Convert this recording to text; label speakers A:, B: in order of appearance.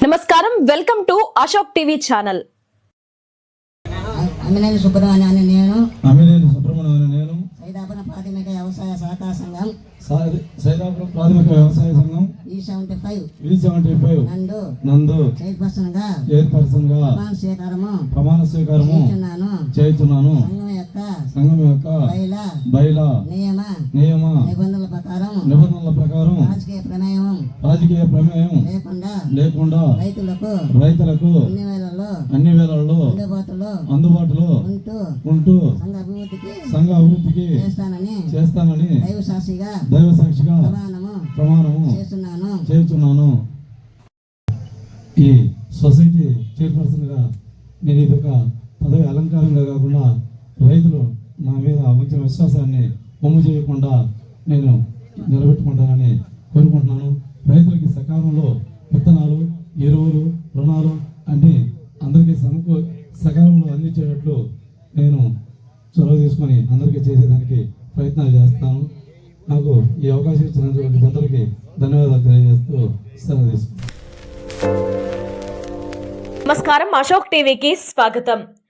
A: నమస్కారం, welcome to Ashok TV channel.
B: Ammineni సుబ్రహ్మణ్యాన్ని నేను సైదాపురం ప్రాథమిక వ్యవసాయ సహకార సంఘం E75 నందు చైర్పర్సన్ గా ప్రమాణ స్వీకారము చేయుచున్నాను. సంఘం యొక్క బైలా నియమ నిబంధనల ప్రకారం రాజకీయ ప్రమేయం లేకుండా రైతులకు అన్ని వేళల్లో అందుబాటులో ఉంటూ సంఘ అభివృద్ధికి చేస్తానని దైవ సాక్షిగా ప్రమాణము చేస్తున్నాను. ఈ సొసైటీ చైర్పర్సన్ గా నేను ఇదొక పదవి అలంకారంగా కాకుండా రైతులు నా మీద ఉంచిన విశ్వాసాన్ని పొమ్ము చేయకుండా నేను నిలబెట్టుకుంటానని కోరుకుంటున్నాను. రైతులకి సకాలంలో విత్తనాలు, ఎరువులు, రుణాలు అన్ని అందరికీ సకాలంలో అందించేటట్లు నేను చొరవ తీసుకొని అందరికీ చేసేదానికి ప్రయత్నాలు చేస్తాను. నాకు ఈ అవకాశం ఇచ్చినందుకు అందరికీ ధన్యవాదాలు తెలియజేస్తూ సెలవు తీసుకుంటాను.
A: నమస్కారం, అశోక్ టీవీకి స్వాగతం.